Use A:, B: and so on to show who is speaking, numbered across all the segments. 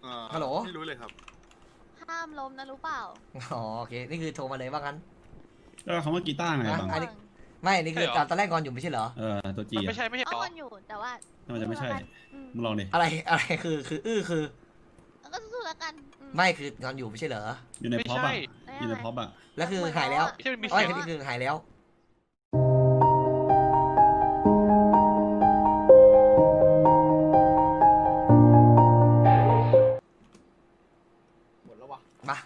A: ฮัลโหล
B: ไม่รู้เลยครับ
C: ห้ามล้มนะรู้เปล่า
A: อ๋อโอเคนี่คือโทรมาเลยว่างั้น
D: แล้วคำว่ากีตาร์ไงบัง
A: ไม่นี่คือตอนแรกงอนอยู่ไม่ใช่เหรอ
D: ตัวจี
B: ไม่ใช่
C: เอางอนอยู่แต่ว่า
D: มันจะไม่ใช่มึงลองดิ
A: อะไรคือคือ
C: ก็สู้แล้วกัน
A: ไม่คืองอนอยู่ไม่ใช่เหรอ
D: อยู่ในพ็อปอะอยู่ในพ็อปอะ
A: แล้วคือหายแล้วไม่คือหายแล้ว
E: หมดแล้ววะ
A: มา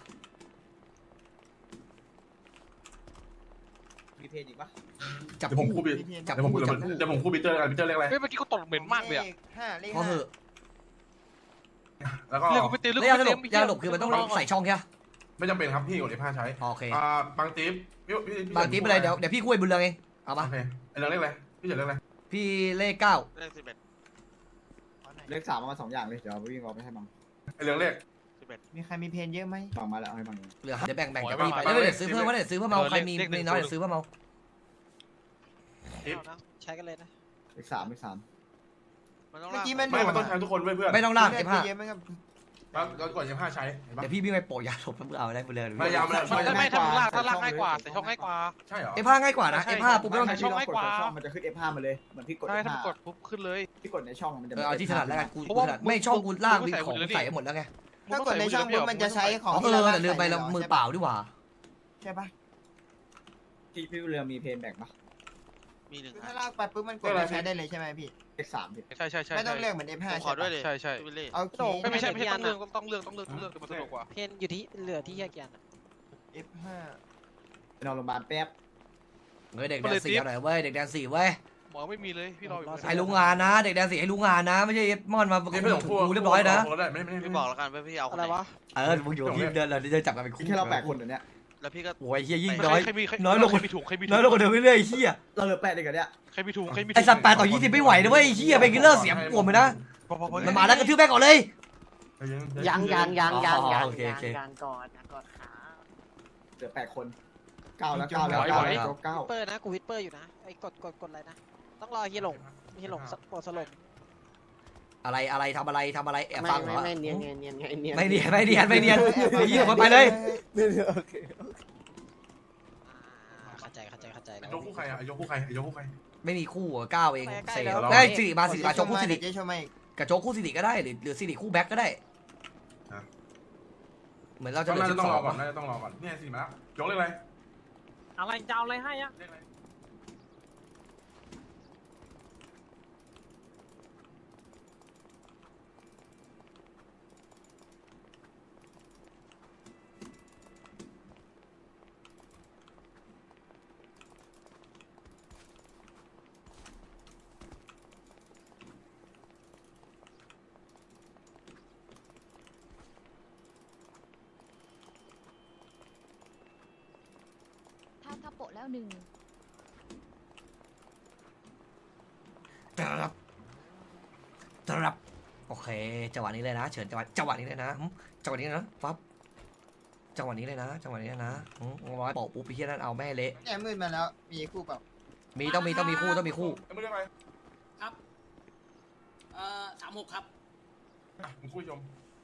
E: มีเพลงอีกปะ
A: จับ
F: ผมคู่บิจับผมคู่บิเตอร์กันบิเตอร์เรียกอะไร
B: เมื่อกี้ก็ตดเหม็นมากเลยอะ
A: พอเหอะ
F: แล้วก็
B: เรื่องกูไปเตือนเรื่อง
A: ยาหลบคือมันต้องใส่ช่องใช่ไหม
F: ไม่จำเป็นครับพี่กดF5ใช้
A: โอเค
F: บางติ๊
A: บางติ๊บอะไรเดี๋ยวพี่คุยบุญเรืองเองเอาปะ
F: โอเคไอเรื่องเรียกอะไรพี่เฉยเรียกอะไร
A: พี่เลข9
E: เลข3มา2อย่างเลยเดี๋ยววิ่งออกไปให้บัง
F: ไอเรื่องเรียก
E: มีใครมีเพลงเยอะไหมบังมาแล้วให้บัง
A: เหลือเดี๋ยวแบ่งจากพี่ไปแล้วเดี๋ยวซื้อเพิ่มว่าเดี๋ยวซื้อเพิ่มเอาใครมีน้อยเดี๋ยวซื้อเพิ่มเอา
G: ใช้กันเลยนะ
E: เลข3
G: เมื่อกี้มัน
F: ต้องใช้ทุกคนเพื่อน
A: ไม่ต้องลากF5
F: แล้วกดF5ใช้
A: เดี๋ยวพี่วิ่งไปโปะยาหลบเพื่อเอาได้บุญเรือง
F: พยายามเลย
B: ไม่ถ้าลากง่ายกว่าใส่ช่องง่ายกว่า
F: ใช่เหรอ
A: F5ง่ายกว่านะ F5 ปุ๊บไม่ต้อง
B: ใส่ช่องง่ายกว่า
E: มันจะขึ้น F5 มาเลยเหมือนพี่กด
B: ใช่ถ้ากดปุ๊บขึ้นเลย
E: พี่กดในช่องมันจะ
A: เอาที่ถนัดแล้วกันกูถนัดไม่ช่องกูลากวิ่งของใส่หมดแล้วไง
G: ถ้ากดในช่องปุ๊บมันจะใช้ของ
A: แต่ลืมไปเรามือเปล่าดีกว่า
E: ใช่ปะพี่เรือมีเพลงแบ่งปะ
G: มีหนึ่งถ้าลากไปปุ๊บมันกดใช้ได้เลยใช่ไหมพี่
E: เลข3พี่
B: ใช่
G: ไม่ต้องเลือกเหมือน F5
B: ขอด้วยเลยใช่
G: โอเค
B: ไม่ใช่ต้องเลือกมันสนุกกว่า
G: เพนอยู่ที่เหลือที่แยกยัน
E: F5 ไปนอนโรงพยาบาลแป๊บ
A: เด็กแดน4หน่อยเว้ยเด็กแดน4เว้ย
B: หมอไม่มีเลยพี่รออยู่
A: ให้รู้งานนะเด็กแดน4ให้รู้งานนะไม่ใช่มอนมา
F: ไม่ต้องพูด
A: เรียบร้อยนะ
B: ไม่บอกแล้วกันพี่เอา
G: อะไรวะ
A: มึงอยู่ที่เดินเราจะจับกันเป็นคู่
E: แค่เรา8คนเนี่ย
B: แล้วพี่ก็
A: โอ้ยเฮียยิ่งน้อยลง
B: ใครมีถุง
A: น้อยลงกว่าเดิมเรื่อยๆเฮีย
E: เราเหลือ8เองกันเนี่ย
B: ใครมีถุง
A: ไอสัตว์8 ต่อ 20ไม่ไหวนะเว้ยเฮียเป็นกิลเลอร์เสียงปวดเลยนะมันมาแล้วกระทืบแม่ก่อนเลย
G: ยังก่อนก่อนขา
E: เหลือ8คน9แล้ว9
G: เปิดนะกูวิทเปอร์อยู่นะไอ้กดอะไรนะต้องรอเฮียหลงปวดสลบ
A: อะไรทำอะไรแอบฟังเหรอ
G: ไม่เนียน
A: ไม่เนียนยี่ห้อไปเลย
G: เข้าใจแล้ว
F: ยกคู่ใครอ่ะยกคู่ใคร
A: ไม่มีคู่9เองเซ่ได้สิริมาโจ๊กคู่สิริกับโจ๊กคู่สิริก็ได้หรือสิริคู่แบ็คก็ได้เหมือนเราจะ
F: ต้องรอก่อนเนี่ยสิมาแล้วยกเลย
H: อะไรจะเอาอะไรให้อะ
C: ถ้าโปะแล้ว1
A: รับโอเคจังหวะนี้เลยนะเฉินจังหวะนี้เลยนะจังหวะนี้นะปั๊บจังหวะนี้เลยนะร้อยโปะปุ๊บพี่เฮียนั่นเอาแม่เละ
G: แอบมืดมาแล้วมีคู่เปล่า
A: มีต้องมีคู่
F: ไม่ได้ไหม
H: ครับ36ครับ
F: มึงคุยชม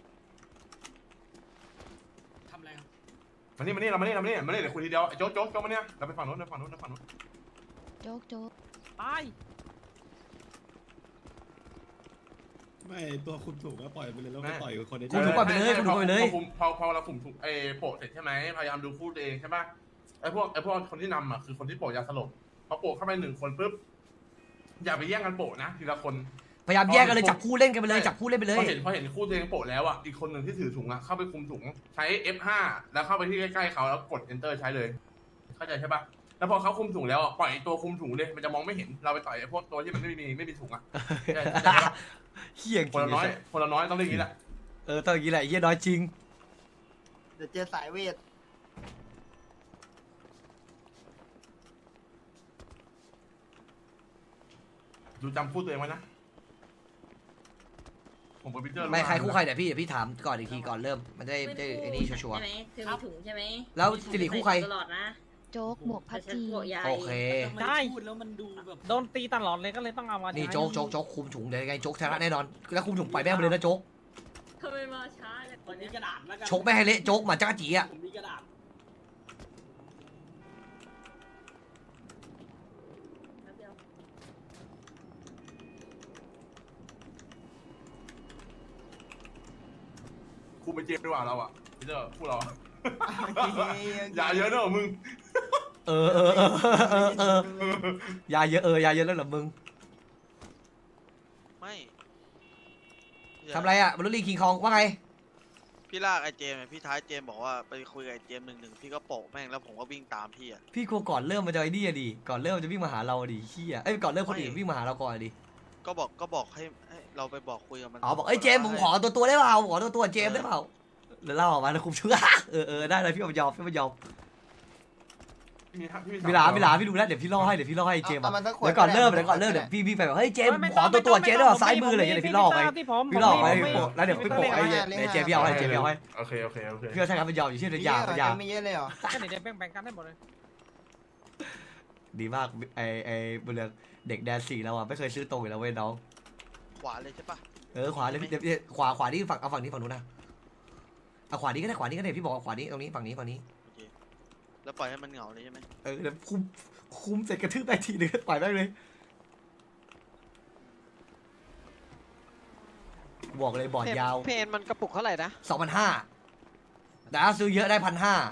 H: ทำอะไรครับ
F: มานี่เรามานี่เดี๋ยวคุยทีเดียวโจ๊กมาเนี่ยเราไปฝั่งโน้น
C: โจ๊ก
H: ไป
D: ไม่ตัวคุมถูกก็ปล่อยไปเลยแล้วก็ต่อยกับคนนี้
A: คุณถูกปล่อยไปเลย
F: พอเราคุมถูกโปะเสร็จใช่ไหมพยายามดูคู่ตัวเองใช่ป่ะไอ้พวกคนที่นำอ่ะคือคนที่โปะยาสลบพอโปะเข้าไป1 คนปุ๊บอย่าไปแย่งกันโปะนะทีละคน
A: พยายามแยกกันเลยจับคู่เล่นกันไปเลยพอ
F: เห็นคู่ตัวเองโปะแล้วอ่ะอีกคนหนึ่งที่ถือถุงอ่ะเข้าไปคุมถุงใช้ F5 แล้วเข้าไปที่ใกล้ๆเขาแล้วกด Enter ใช้เลยเข้าใจใช่ป่ะแล้วพอเขาคุมถุงแล้วปล่อยตัวคุมถุงเลยมันจะมองไม่เห็นเราไปต่อยพวกตัวที่มันไม่มีถุงอ่ะ
A: เฮี้ย
F: คนละน้อยต้องเล่นอย่างนี้แหละ
A: ต้องอย่างนี้แหละเฮี้ยน้อยจริง
G: เดี๋ยวเจอสายเวท
F: ดูจำคู่ตัวเองไว้นะผมเป็นพีเตอร์
A: ไม่ใครคู่ใครเดี๋ยวพี่ถามก่อนอีกทีก่อนเริ่มมันได้ไอ้นี่ชัวร์
I: ใช่ไหมเธอมีถุงใช่ไหม
A: แล้วสิริคู่ใคร
I: ตลอดนะ
C: โจ๊กหมวกพัดจี
A: โอเค
H: ได้พูดแล้วมันดูแบบโดนตีตลอดเลยก็เลยต้องเอามา
A: นี่โจ๊กคุมถุงเดี๋ยวไงโจ๊กชนะแน่นอนแล้วคุมถุงไปแม่งไปเลยนะโจ๊ก
I: ทำไมมาช้า
E: คนนี้กระดาษแล้วกัน
A: ชกไม่ให้เละโจ๊กหมาจ้าจีอ่ะ
E: ผมมีกระดาษ
F: คุมไปเจมดีกว่าเราอ่ะพี่เจ้าพวกเราอย่าเยอะเนอะมึง
A: เออยาเยอะยาเยอะแล้วเหรอมึง
B: ไม่
A: ทำไรอ่ะบรรลุลีคิงคองว่าไง
B: พี่ลากไอเจมส์พี่ท้ายเจมส์บอกว่าไปคุยกับไอเจมส์1-1พี่ก็โปะแม่งแล้วผมก็วิ่งตามพี่อ่ะ
A: พี่กลัวก่อนเริ่มมันจะไอ้นี่อะดิก่อนเริ่มมันจะวิ่งมาหาเราอะดิเฮียเอ้ยก่อนเริ่มคนอื่นวิ่งมาหาเราก่อนอะดิ
B: ก็บอกให้เราไปบอกคุยกับมัน
A: อ๋อบอกเอ้ยเจมส์ผมขอตัวได้เปล่าขอตัวเจมส์ได้เปล่าแล้วเล่าออกมาแล้วคุมชื่อได้เลยพี่มันยอมพี่หลาพี่ดูแล้วเดี๋ยวพี่ล่อให้เจมส์อะเดี๋ยวก่อนเริ่มเดี๋ยวพี่ไปแบบเฮ้ยเจมส์ผมขอตัวเจมส์ได้เปล่าซ้ายมืออะไรอย่างเงี้ยเดี๋ยวพี่ล่อไปแล้วเดี๋ยวพี่โปะไอ้เจมส์พี่เอาให้
F: โอเค
A: พี่ก็ใช่ครับมันยอมอยู่ชื่อเดียวยา
E: ไม่เยอะเลยเหรอ
H: ก็เดี๋ยวแบ่งกันได้หมดเลย
A: ดีมากไอ้บุญเรืองเด็กแดน4เราอ่ะไม่เคยซื้อตรงอยู่แล้วเว้ยน้อง
B: ขวาเลยใช่ปะ
A: ขวาเลยพี่ขวานี่ฝั่งนี้ฝั่งนู้นนะเอาขวานี้ก็ได้พี่บอกขวานี้ตรงนี้ฝั่งนี้
B: โอเคแล้วปล่อยให้มันเหงาเลยใช่ไหม
A: เดี๋ยวคุมเสร็จกระทืบไปทีนึงปล่อยแม่งเลยบอกเลยบอร์ดยาว
G: เพนมันกระปุกเท่าไหร่นะ
A: 2,500แต่ถ้าซื้อเยอะได้1,500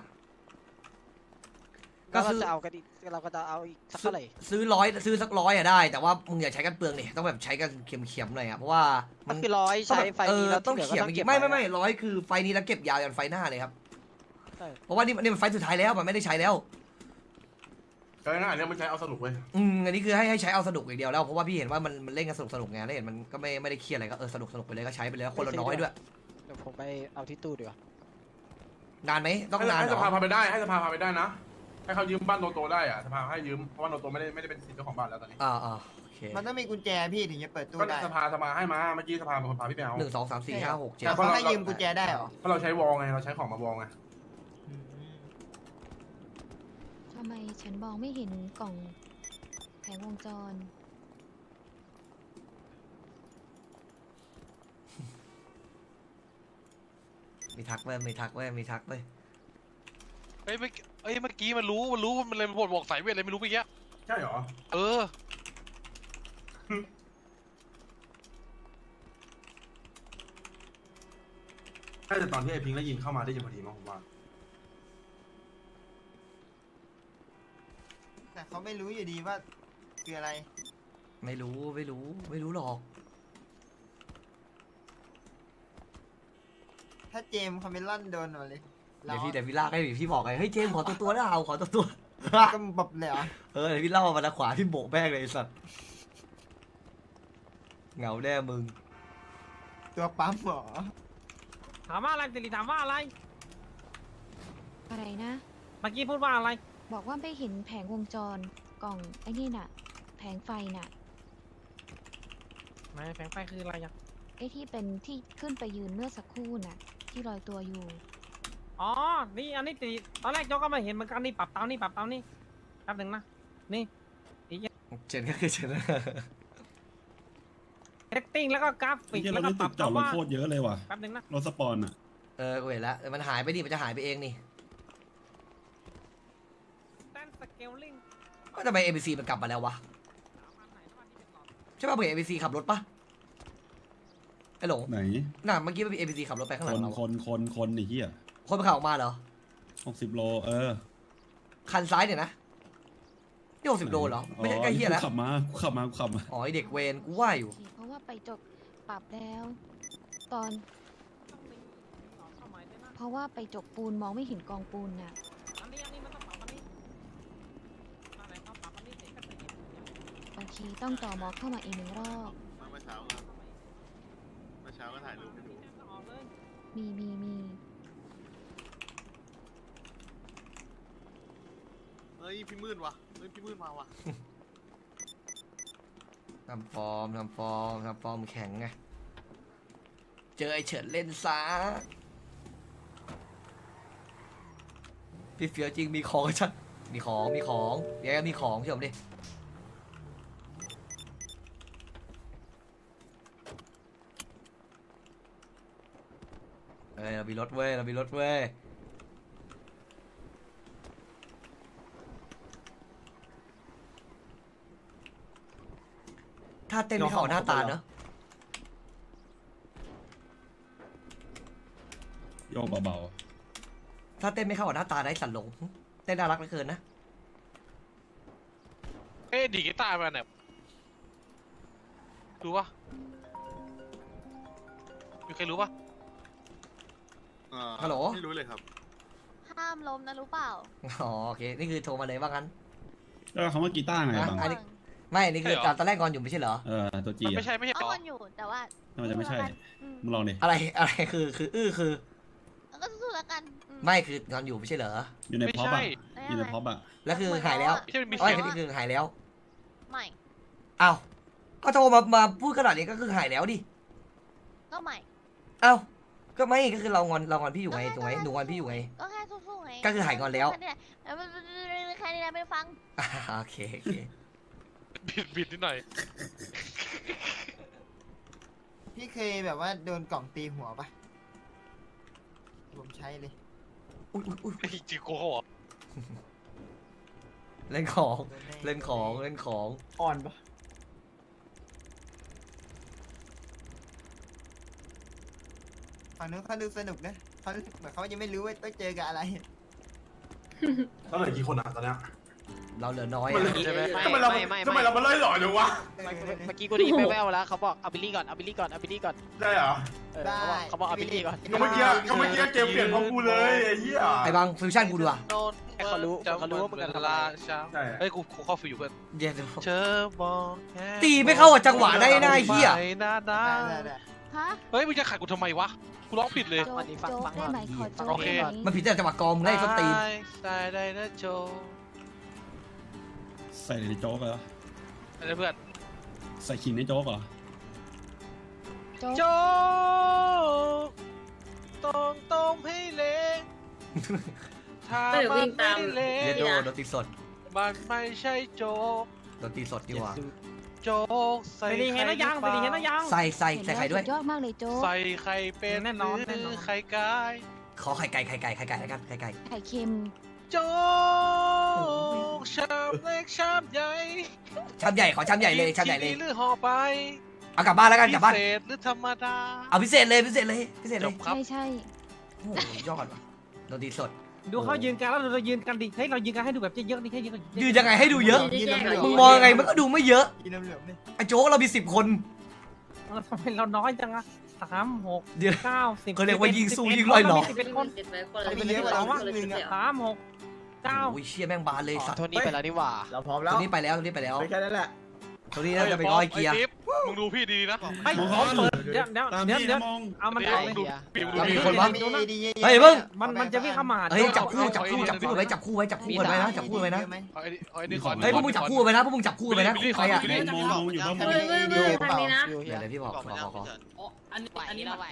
A: ก็
G: ก็
A: ซื้อ
G: จะเอากันอีกเราก็จะเอาอีกสักเท่าไหร่
A: ซื้อสัก100อะได้แต่ว่ามึงอย่าใช้กันเปลืองนี่ต้องแบบใช้กันเข็มๆหน่อยอะเพราะว่า
G: ก็คือร้อยใช้ไฟนี้แล้ว
A: ต้
G: ที่
A: อง
G: เหลือก็
A: เขียน
G: ต้อง
A: เมื่อ
G: เก็
A: กี้
G: บ
A: ไม่100คือไฟนี้แล้วเก็บยาวยันไฟหน้าเลยครับ
G: ใช่
A: เพราะว่านี่มันไฟสุดท้ายแล้วมันไม่ได้ใช้แล้ว
F: ใช่นะอันนี้มันใช้เอาสนุกเว้ย
A: อันนี้คือให้ใช้เอาสนุกอย่างเดียวแล้วเพราะว่าพี่เห็นว่ามันเล่นกันสนุกไงแล้วเห็นมันก็ไม่ได้เครียดอะไรก็สนุกไปเลยก็ใช้ไปเลยคนละน้อยด้วย
G: เดี๋ยวผมไปเอาที่ตู้ดีกว่า
A: นานไหมต้องนาน
F: ให้
A: เหร
F: ส
A: อ
F: ภาพาไปได้ให้สภาพาไปได้นะให้เขายืมบ้านโตได้อ่ะสภาให้ยืมเพราะว่าโตไม่ได้เป็นสิทธิ์เจ้าของบ้านแล้วตอนนี้
A: โอเค
E: มันต้องมีกุญแจพี่ถึงจะเปิดตู้
F: ก็
E: ได้
F: สภาให้มาเมื่อกี้สภาเป็นคนพาพี่ไปเอา
A: 1 2 3 4 5 6 7
E: แต่เขาให้ยืมกุญแจได้เหรอ
F: เพราะเราใช้วอลไงเราใช้ของมาวอลไง
C: ทำไมฉันมองไม่เห็นกล่องแผงวงจร
A: มีทักเว้ย
B: เฮ้ยเมื่อกี้มันรู้ว่ามันเลยบอกสายเวทอะไรไม่รู้เมื่อกี้
F: ใช่เหรอ
B: เออ
F: น่าจะตอนที่ไอ้พิงค์ได้ยินเข้ามาได้ยินพอดีมั้งผมว่า
E: แต่เขาไม่รู้อยู่ดีว่าคืออะไร
A: ไม่รู้หรอก
E: ถ้าเจมส์คาเมลอนโดนมาเลย
A: เดี๋ยวพี่ลากให้พี่บอกไงเฮ้ยเจมส์ขอตัวได้เอาขอตัว
E: ก็แบบเลยเหรอ
A: เดี๋ยวพี่เล่ามาทางขวาพี่โบกแม่งเลยไอ้สัตว์เหงาแน่มึง
E: ตัวปั๊มเหรอ
H: ถามว่าอะไรติลิถามว่าอะไร
C: อะไรนะ
H: เมื่อกี้พูดว่าอะไร
C: บอกว่าไม่เห็นแผงวงจรกล่องไอ้นี่น่ะ แผงไฟน่ะ
H: ไม่แผงไฟคืออะไรอ่ะ
C: ไอ้ที่เป็นที่ขึ้นไปยืนเมื่อสักครู่น่ะ ที่ลอยตัวอยู่
H: อ๋อนี่อันนี้ติลิตอนแรกโจ๊กก็ไม่เห็นเหมือนกันนี่ปรับเตานี่แป๊บหนึ่งนะนี่
A: เจนก็คือเจน
H: เซตติ้งแล้วก็กราฟิก
D: ที่
H: แล้
D: เรา
H: วก็
D: ได้
H: ป
D: ติ
H: รั
D: ด
H: บ
D: จอดรถ
H: ว่า
D: โคตรเยอะเลยว่ะ
H: แป๊บหนึ่งนะ
D: รถสปอนอ่ะ
A: กูเห็นแล้วมันหายไปดิมันจะหายไปเองนี่
H: แตนสเกลลิง
A: ก็ทำไม ABC มันกลับมาแล้ววะใช่ป่ะเผื่อ ABC ขับรถปะไอ้หลง
D: ไหน
A: น่ะเมื่อกี้มันมี ABC ขับรถไปข้างห
D: ค
A: ลัง
D: น
A: เรา
D: คนไอ้เหี้ย
A: คนมันขับออกมาเหรอ
D: 60 โล
A: คันซ้ายเนี่ยนะนี่60 โลเหรอไม่ใช่ใกล้เฮียแล้ว
D: ขับมา
A: อ๋อไอ้เด็กเวรกูว่าอยู่
C: เพราะว่าไปจบปรับแล้ว ตอน เพราะว่าไปจกปูนมองไม่เห็นกองปูนน่ะ
H: อันนี้มันต้องปรับอันนี้อันไหนเขาปรับอันนี้เสร็จก็จะเห็น
C: โอเค ต้องต่อมอเข้ามาอีก1 รอบ
B: เมื่อเช้าก็ถ่ายรูปให้ดู
H: ออกเลย
C: มี
B: เฮ้ยพี่มืดว่ะพี่มืดมาว่ะ
A: ทำฟอร์มแข็งไง เจอไอ้เฉินเล่นซะพี่เฟียวจริงมีของชัดมีของเดี๋ยวมีของเชื่อผมดิเรามีรถเว้ยเรามีรถเว้ยถ้าเต้นไม่เข้าหน้าตาเนอะ
D: โยกเบา
A: ถ้าเต้นไม่เข้ากับหน้าตาได้สันหลงเต้นน่ารักเหลือเกินนะ
I: ดีกีตาร์มาเนี่ยรู้ปะมีใครรู้ปะ
A: ฮัลโหล
B: ไม่รู้เลยครับ
C: ห้ามล้มนะรู้เปล่า
A: อ๋อโอเคนี่คือโทรมาเลยว่างั้น
D: ๆแล้วคำว่ากีตาร์ไงบัง
A: อันนี้ ไม่นี่คือตอนแรกงอนอยู่ไม่ใช่เหรอ
D: ตัวจี
I: มันไม่ใช่ไม่ใช่
C: เอา
I: หรอ
C: คนอยู่แต่ว่า
D: มันจะไม่ใช่มึงลองดิ
A: อะไรคือคือ
C: แล้วก็สู้ๆแล้วกัน
A: ไม่คืองอนอยู่ไม่ใช่เหรอ
D: อยู่ใน
I: ไม่
D: พ็อป
I: ใช่
D: อะอยู่ในพ็อปอะ
A: แล้วคือหายแล้ว
I: ไม่ใช่มันมี
A: ไม่
I: เสียง
A: คือหายแล้ว
C: ใหม่
A: อ้าวก็โทรมาพูดขนาดนี้ก็คือหายแล้วดิ
C: ก็ใหม่
A: อ้าวก็ไม่ก็คือเรางอนพี่อยู่ไงถูกไหมหนูงอนพี่อยู่ไง
C: ก็แค่สู้ๆไง
A: ก็คือหายงอนแล้ว
C: แค่นี้แหละแค่นี้แหละไม่ฟัง
A: โอเค
I: บิดนิดหน่อย
J: พี่เคยแบบว่าโดนกล่องตีหัวปะผมใช้เลย
A: อุ้ย
I: ไอ้จิโก้เหรอ
A: เล่นของเล่นของ
E: อ่อนปะ
J: ฝั่งนู้นเขาดูสนุกนะเขาเหมือนเขายังไม่รู้ว่าต้องเจอกับอะไร
F: แล้วเหลือกี่คนอ่ะตอนเนี้ย
A: เราเหลือน้อย
F: มันเหลือ
G: ใช่ไหม
F: ทำไมเรา
G: ไม่
F: ทำไมเรามาไล่หล่อจังวะ
G: เมื่อกี้กูได้ยินแว่วๆแล้วเขาบอกเอาบิลลี่ก่อนเอาบิลลี่ก่อนเอาบิลลี่ก่อน
F: ได้เหรอ
G: เขาบอกเอาบิลลี่ก่อน
F: ก็เมื่อกี้เกมเปลี่ยนเพราะกูเลยไอ้เหี้ย
A: ไอ้บางฟิวชั่นกูดูอ่ะ
G: เขารู้ว่ามึงจะทำอะไร
F: ใช่
I: เฮ้ยกูเข้าฟิวอยู่เพื่อน
A: เย็น
I: เธอบอกแค่
A: ตีไม่เข้ากับจังหวะได้นะไอ้เหี้ย
I: ไปนะนะ
J: ได้
C: ฮะ
I: เฮ้ยมึงจะขัดกูทำไมวะกูร้องผิดเลย
C: โจ๊กโจ๊กได้ไหมขอโจ๊ก
I: โอเค
C: ได้ไหม
A: มันผิดแต่จังหวะกองมึงได้ส้นตีน
I: ได้นะโจ
D: ใส่ในโจ๊กเหรอ
I: อะไรเพื่อน
D: ใส่ขิงในโจ๊กเหรอ
I: โจต้องให้เละถ้ามันไม่เละ
A: เยโดโดนตีสด
I: มันไม่ใช่โจก
A: โดนตีสดดีกว่า
I: โจกใส่
H: ไปดีเห็นนะยังไปดีเห็นนะยัง
A: ใส่ไข่ด้วย
C: สุยอดมากเลยโจ๊ก
I: ใส่ไข่เป็น
H: แน่นอน
I: ห
H: แน่
I: รื
H: นอน
I: ไข่ไก่
A: ขอไข่ไก่แล้วกันไข่ไก่
C: ไข่เค็ม
I: โจกชามเล็กชามใหญ่
A: ชามใหญ่ขอชามใหญ่เลยชามใหญ่เลย
I: หรือห่อไป
A: เอากลับบ้านแล้วกันกลับบ้าน
I: พิเศษหรือธรรมดา
A: เอาพิเศษเลย
I: จบครับ
C: ใช่
A: โอ้โหยอดว่ะโดนตีสด
H: ดูเขายืนกันแล้วเรายืนกันดิเฮ้ยเรายืนกันให้ดูแบบเยอะๆดิให้ยืนกัน
A: ยืนยังไงให้ดูเยอะ
J: ยืนเหลือง
A: มึงมองยังไงมันก็ดูไม่เยอะ
J: ยืนเหลืองๆนี่
A: ไอ้โจ๊กเรามี10 คน
H: ทำไมเราน้อยจังอะ3 6
A: เดี๋ยว
H: 9 10
A: เขาเรียกว่ายิงสู้ยิงลอยหลอก
H: 11 คน
J: เอาไปเยอะกว่าเราครึ่งนึงอะ
H: 3 6 9
A: โอ้ยเชี่ยแม่งบานเลยสัตว์
G: โทนี่ไปแล้วนี่หว่า
E: เราพร้อมแล้
A: ตัว วนี้ไปแล้วตัวนี้ไปแล้ว
E: ไปแค่นั้นแหละ
A: ตัวนี้น่าจะไปร้อยเกียร์
I: ไติ๊บมึงดูพี่ดีๆนะ
H: ไม่ขอเปิดเดี๋ยว
D: ตาม
H: เดี๋ยว
D: พี่
H: เดี๋ยว
D: นะมอง
H: เอามัน
I: เดี๋
H: เอา
I: ยว
H: เลย
I: ดูพี่ดู
A: แล้วมี
I: พี่
A: คนวะ
J: ดีๆ
A: เฮ้ยเพิ่ง
H: มันจะวิ่งเข้ามาหา
A: เฮ้ยจับคู่
I: เอา
A: จับคู่
I: เอา
A: จับคู่ไว้จับคู่ไว้จับคู่กันไว้นะจับคู่ไว้นะ
I: เอาไอ้นี่ก่อน
A: เฮ้ยพวกมึงจับคู่ไว้นะพวกมึงจับคู่ไว้นะคู่ใครอ่ะ
D: มองอยู่ก็มอง
J: ดีๆเปล่า
A: เดี๋ยวพี่บอกขอ
G: อันนี้เราไหว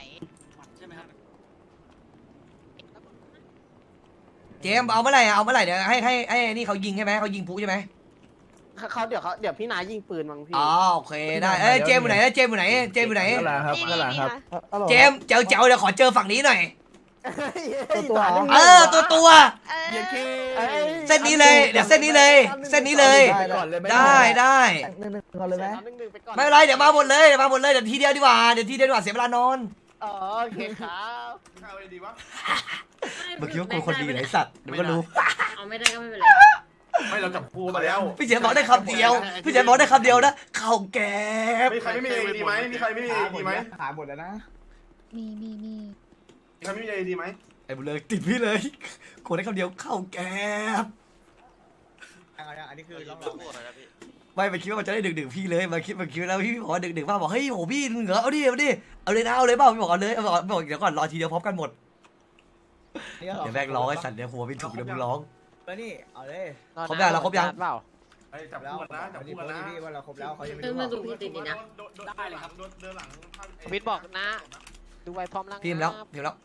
A: เจมเอาเมื่อไหร่เอาเมื่อไหร่เดี๋ยวให้นี่เขายิงใช่ไหมเขายิงปุ๊ใช่ไหม
G: เขาเดี๋ยวพี่นายยิงปืนมั้งพี่
A: อ๋อโอเคได้เอ้ยเจมอยู่ไหนเจมอยู่ไหนเจมอยู่ไหน
E: นั่นแหละครับนั่นแหละครับ
A: เจมเจ๋วเดี๋ยวขอเจอฝั่งนี้หน่อย
E: ตัว
A: ตัว เส้นนี้เลยเดี๋ยวเส้นนี้เลยเส้นนี้เลย ได้ได้
E: ก่อนเลยไหม
A: ไม่เป็นไรเดี๋ยวมาหมดเลยเดี๋ยวทีเดียวดีกว่าเสียเวลานอน
G: อ๋อโอเคครับ
F: ข้าวอะไรดีวะ
A: เมื่อกี้ว่ากูคนดีไหนสัตว์เดี๋ยวก็รู้
K: เอาไม่ได้ก็ไม่เป็นไร
F: ไม่เราจับคู่มาแล้ว
A: พี่เจ๋บอกได้คำเดียวพี่เจ๋บอกได้คำเดียวนะข้าวแกบ
F: มีใครไม่มีเอดีไหมมีใครไม่มีเอดีไหม
E: หาหมดแล้วนะ
C: มี
F: มีใครไม่มีเอดีไหม
A: ไอ้บุญเลยติดพี่เลยคนได้คำเดียวข้าวแกบ
E: อันนี้คือ
B: เรา
E: เรา
B: พูดอะไรนะพี่
A: ไม่มาคิดว่ามันจะได้ดึกพี่เลยมาคิดแล้วพี่บอกว่าดึกป้าบอกเฮ้ยโหพี่เหงอเอาดิเอาเลยนะเอาเลยเปล่าพี่บอกเอาเลยบอกเดี๋ยวก่อนรอทีเดียวพร้อมกันหมดเดี๋ยวแบกร้องไอ้สัตว์เดี๋ยวหัวไม่ถูกเดี๋ยวมึงร้อง
E: แล้วนี่เอาเลย
A: ครบยังเราครบยัง
G: เปล่า
F: ไอ้จับคู่กันนะจับคู่กันนะ
E: พี่ว่าเราครบแล้วเขายังไม่
K: เออ
E: รู้
K: มาดูพี่ติดดีนะ
F: ได้เลยครับเดินหลัง
G: วิทย์บอกนะ ดูไว้พร้อมร่าง
A: พิมพ์แล้วพิมพ์แล้ว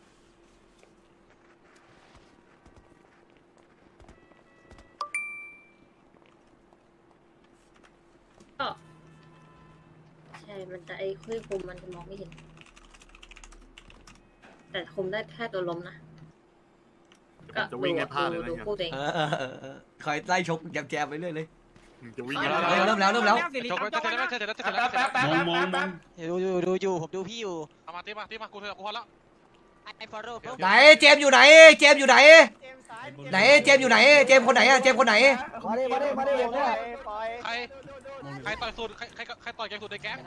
K: ใช่ มันจะไอ้คุยคุมมันจะมองไม่เห็น แต่แต่คุมได้แค่ตัวล้มนะก็
D: จะวิ่งให้พลาดเลยนะ
K: ดูคู่ตัวเอง
A: คอยไล่ชกแจมไปเรื่อยเลย
D: จะวิ่ง
A: เริ่มแล้ว
I: จบแล้วเสร็จแล้วเสร็จแล้วเสร็จแล้ว
D: มอง
G: ดูอยู่ผมดูพี่อยู่
I: เอามาตีมากูเถอะกูพอแล้ว
G: ไอ้ฟอร์โร่
A: ไหนเจมส์อยู่ไหนเจมส์อยู่ไหนไหนเจมส์อยู่ไหนเจมส์คนไหนอะเจมส์คนไหน
J: มาดิผมเนี่ย
I: ใครต่อยสุดใครต่อยแกสุดในแก๊ง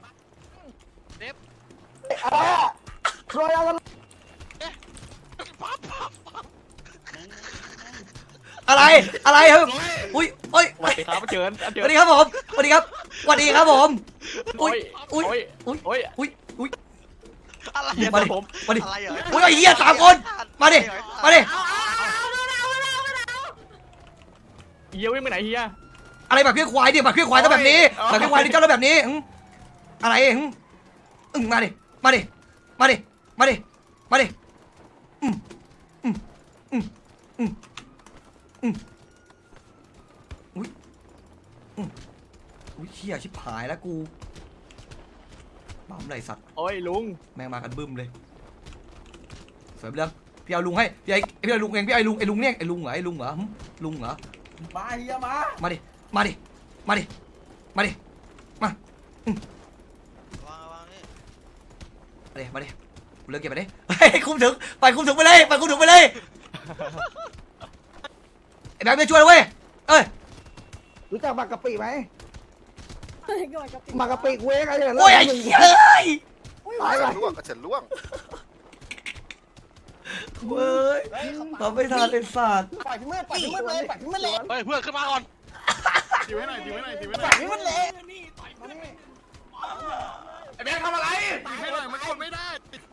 A: อะไรครับอุ้ยสวัสดีครับเชิญสวัสดีครับผมสวัสดีครับสวัสดีครับผมอุ้ย
B: อะไร
A: มาดิ
B: ผม
A: มาดิ
B: อะไรเหรอ
A: อุ้ยไอ้เหี้ย3 คนมาดิ
H: เฮียวิ่งไปไหนเฮีย
A: อะไรแบบเพี้ยควายดิแบบเพี้ยควายต้องแบบนี้แบบเพี้ยควายนี่เจ้าต้องแบบนี้อะไรมาดิอุ้ยเหี้ยชิบหายแล้วกูบ้าไรสัตว์
H: โอ้ยลุง
A: แม่งมากันบึ้มเลยเสริมเรื่องพี่เอาลุงให้พี่เอาลุงเองพี่ไอ้ลุงเนี่ยไอ้ลุงเหรอลุงเหรอ
E: มาเฮียมา
A: มาดิ
B: วางนี่
A: มาดิเลิกเก็บไปดิคุมถึงไปคุมถึงไปเลยไอ้แบงค์ไม่ช่วยเลยเว้ยเอ้ย
J: รู้จักหมากกะปิไหมหมากกะปิเว้ยอะไรอย่างเงี้ย
A: โอ้ยไอ้เหี้ยเอ้ย
J: ตายไป
B: ล่วงก็เฉินล่วง
A: เว้ยทำไม่ทันเลยสัตว์
J: ปล่อยพี่มืดเลยปล่อยพี่มืดเลย
I: เฮ้ยเพื่อนขึ้นมาก่อน
D: ทีไว้หน่อย
J: ปล่อยพี่มืดเลย
F: ไอ้แบงค์ทำอะไร
D: ให้หน่อยมันกดไม่ได้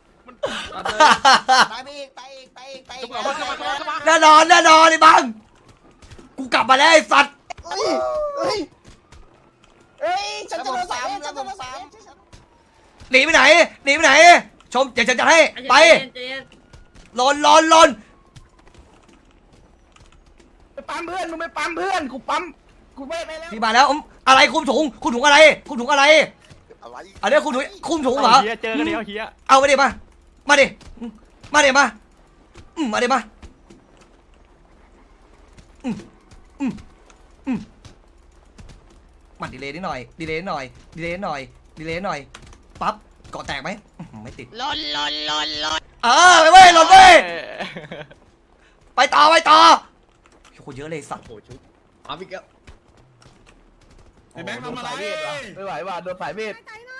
J: ตายไปอีก
A: แน่นอนไอ้บังกูกลับมาแล้วไอ้สัตว์
J: เฮ้ยฉันจะโดนสาม
A: หนีไปไหนชมเดี๋ยวฉันจะให้ไป
K: ใจเย็น
A: ลน
J: ไปปั๊มเพื่อนมึงไปปั๊มเพื่อนกูปั๊มกูไม่แล้ว
A: พี่มาแล้วอะไรคุมถุงอะไร
B: อะไร
A: อันนี้คุมถุงเหรอ
H: เฮียเจอกันเดียวเฮีย
A: เอามาดิมาดิมาดิมันดีเลยนิดหน่อยปั๊บเกาะแตกไหมไม่ติด
G: ลน
A: ไปเว้ยหล่นเว้ยไปต่อโคตรเยอะเลยสัตว์
E: เอาพี่เก้า
D: ไอ้แบงค์ทำอะไร
E: ไม่ไหวว่ะโดนสายเวท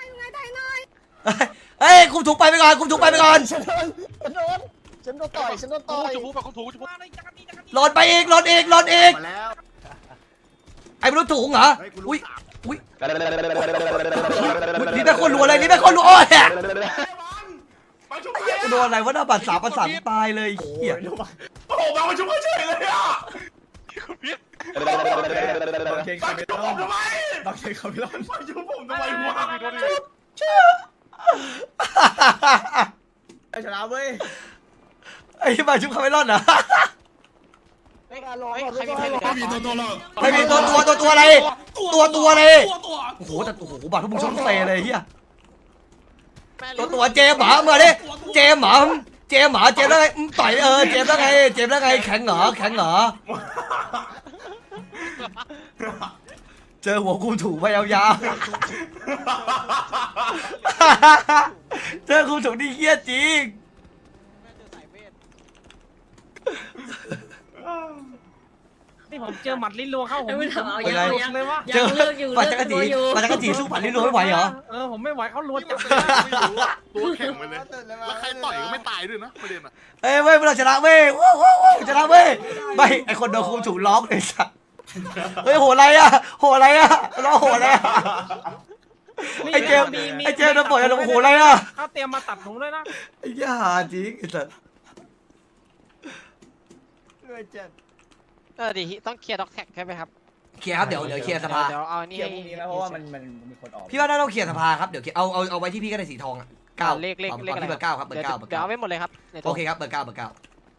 A: เฮ้ยคุมถุงไปก่อนฉันโดนต่อย
I: จุ๊บไปของถูจุ๊บ
A: หล่นอีก
D: มาแล้ว
A: ไอ้มนุษย์ถุงเหรออุ้ยนี่เป็นคนรัวเลยโอ้ย
F: มาชุบ
A: โดนอะไรวะหน้าบัตร3 ประสานตายเลยเหี้ย
F: โอ้โหมาชุบเฉยเลยอ่ะ
E: บางเชน
F: มา
E: คาเม
F: ชุบ
E: ล
F: ผมทำไม
E: บางเชนคาเมล
F: มาชุบผมทำไมวะ
E: ชนะเว้ย
A: ไอ้มาชุบคาเมลอนเหรอ
G: ใครมีเพลง
D: ไม่มีตัวหรอก
A: ไม่มีตัวอะไรตัวอะไรโอ้โหบัตรพวกมึงชอบเซเลยเฮียตัวเจมหมาเมื่อดิเจมหมาแล้วไงต่อยเจมแล้วไงแข็งเหรอเจอหัวกูถูกไปยาวๆเจอกูถูกนี่เฮี้ยจริง
H: นี่ผมเจอหมัดลิ้นรัวเข้าผม
K: ไม่ถามเอา
H: ผม
K: ยัง
H: หลุดเลยวะ
A: เจอ
K: เลิกอยู่
A: มา
K: เลิ
A: จักร
K: ก
A: จี
K: อยู่
A: มาจักรจีสู้ผันลิ้นรัวไม่ไหวเหรอ
H: ผมไม่ไหวเขารัวจับ
D: ตัวแข็งไปเลย แล้วใครต่อยก็ไม่ตายด้วยนะประเด็นอ่ะ
A: เว้ยเราชนะเว้ยชนะเว้ยไม่ไอคนโดนคุมถูกล็อกเลยสัสเฮ้ยโหอะไรอ่ะร้องโหอะไรอ่ะไอเจมโดนปล่อยแล้วโหอะไรอ่ะ
H: เขาเตรียมมาตัดผมเลยนะ
A: ไอ้ย่าจริงไอ้สัส
G: ดิต้องเคลียร์ด็อกแท็กใช่ไหมครับ
A: เคลียร์ครับเดี๋ยวเคลียร์สภา
G: เดี๋ยวเอานี่
E: เกี่ยวพรุ่งนี้นะเพราะว่ามันมีคนออก
A: พี่ว่าน่าต้องเคลียร์สภาครับเดี๋ยวเอาไว้ที่พี่ก็ได้สีทองอ่ะ9
G: เลข
A: ที่เบอร์9ครับเบอร์
G: เดี๋ยว
A: 9
G: เอาไม่หมดเลยครับ
A: โอเคครับเบอร์9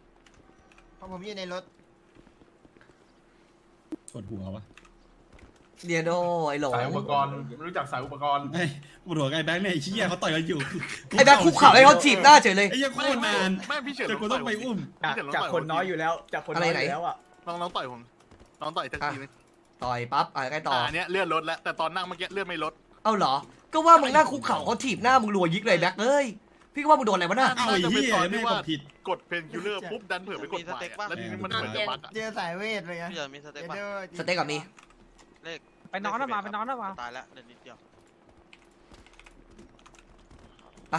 J: เพราะผมอยู่ในรถ
D: ปวดหัววะ
A: เดียโดไอ้หลง
F: สายอุปกรณ์ไม่รู้จักสายอุปกรณ์
D: ไอ้ปวดหัวไอ้แบงค์เนี่ยไอ้เชี่ยเขาต่อยกันอยู่
A: ไอ้แบ็คคุกเข่าให้เขาถีบหน้าเฉยเลย
D: ไอ้ยังโคตรนาน
I: ไม่พี่เฉิน
D: แต่กูต้องไปอุ้ม
E: จากคนน้อยอยู่แล้วจากคนน้อยอยู่แล้วอ่ะ
I: น้องต่อยผมน้องต่อยทักทีนึง
A: ต่อยปั๊บใกล้ต่อ
I: อันเนี้ยเลื่อนลดแล้วแต่ตอนนั่งเมื่อกี้เลื่อนไม่ลด
A: เอ้าเหรอก็ว่ามึงหน้าคุกเข่าเขาถีบหน้ามึงรัวยิกเลยแบ็คเอ้ยพี่ก็ว่ามึงโดนอะไรวะน่ะ
D: เอาไอ้เหี้ยไม่กดผิด
I: กดเพนคิลเลอร์ปุ๊บดันเผื่อไปกดใหม่อะแล้วทีนี้มันเหมือนจะบั๊กอะ
J: เจอสายเวทเลยไง
B: พี่เฉินมีสเต็กป่ะ
A: สเต็กกับมี
B: เลข
H: ไปนอนนะมาไปนอนนะมา
B: ตายแล้วเดินนิดเดียว
A: ไป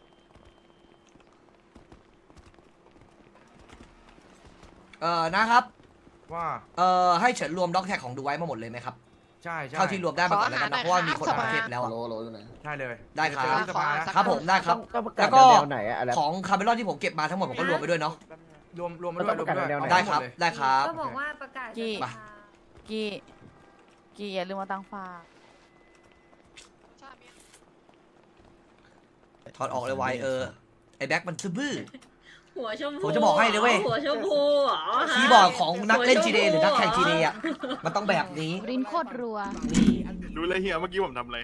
A: นะครับ
E: ว่า
A: ให้เฉินรวมด็อกแท็กของดูไว้มาหมดเลยไหมครับ
E: ใช่ใช่
A: เท่าที่รวมได้มาก่อนแล้วกันนะเพราะว่ามีคนมาเทปแล้วอะ
E: ใช่เลย
A: ได้ครับ
E: เยวเจอที่สภา
A: ครับผมได้ครับ แล้วก็ของคาร์เมลอนที่ผมเก็บมาทั้งหมดผมก็รวมไปด้วยเนาะ
E: รวมมาด้วยรวมมาด้วย
A: ได้ครับได้ครับ
K: ก็บอกว่าประกาศ
A: กี่
K: กี่อย่าลืมมาตังฝาก
A: ถอดออกเลยไวไอ้แบ็คมันซื่อ
K: หัวชมพู
A: ผมจะบอกให้เลยเว้ย
K: หัวชมพูเหรอ
A: คีย์บอร์ดของนักเล่น GTA หรือนักแข่ง GTA อ่ะมันต้องแบบนี้
C: รินโคตรรัว
A: นี่
I: รู้เลยเฮียเมื่อกี้ผมทำอะไร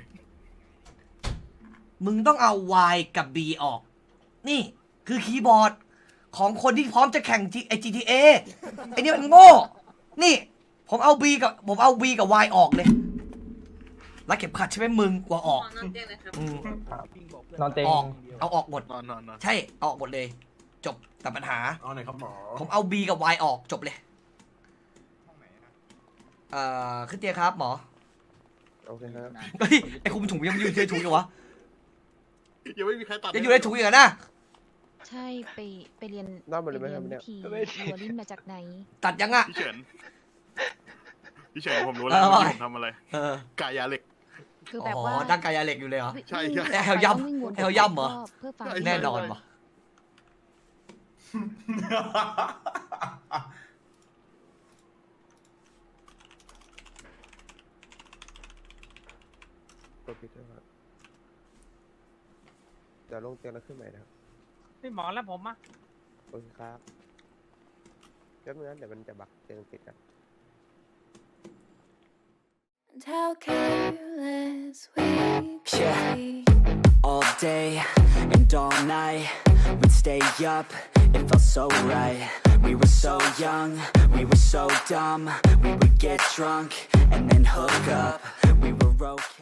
A: มึงต้องเอา Y กับ B ออก นี่คือคีย์บอร์ดของคนที่พร้อมจะแข่ง GTA ไอ้นี่มันโง่นี่ผมเอา B กับ Y ออกเลยรัดเข็มขัดใช่ไหมมึงกว่าออก
K: นอนเตียงเลยครับ
A: อืม
E: นอนเตียง
A: ออกเอาออกหมด
I: นอน
A: ใช่เอาออกหมดเลย จบแต่ปัญหา
F: เอาหน่อยครับหมอ
A: ผมเอา B กับ Y ออกจบเลยขึ้นเตียงครับหมอ
E: โอเคครับ
A: เฮ้ยไอ้คุมถุงยังอยู่ในถุงอยู่วะ
I: ยังไม่มีใครตัด
A: ยังอยู่ในถุงอยู่นะ
C: ใช่ไปเรียน
E: นอนหมดเลยไหมครับ
C: ไป
E: เนี่
C: เรี
E: ย
C: ยนทีรัวลิ้นมาจากไหน
A: ตัดยังอ่ะ
I: พี่เฉินผมรู้แล้ว
A: เออ
I: เมื่อกี้ผมทำอะไร
A: ก
I: ายาเหล็ก
C: คือแบบ
A: อ๋
C: ว่า
A: อดั้งกายาเหล็กอยู่เลยเหรอ
I: ใช่
A: แฮวย่ำ
C: ต้องวิ่งวน
A: แฮวย่ำเหรอ
C: เพื่อฟัง
A: แน่นอนวะ
E: กดผิดด้วยครับเดี๋ยวลงเตียงแล้วขึ้นใหม่นะครับ
H: พี่หมอแล้วผมอะ
E: โอเคครับแป๊บนึงนะเดี๋ยวมันจะบักเตียงติดกัน
K: How careless we
L: Yeah. All day and all night, we'd stay up, it felt so right. We were so young, we were so dumb. We would get drunk and then hook up. We were okay.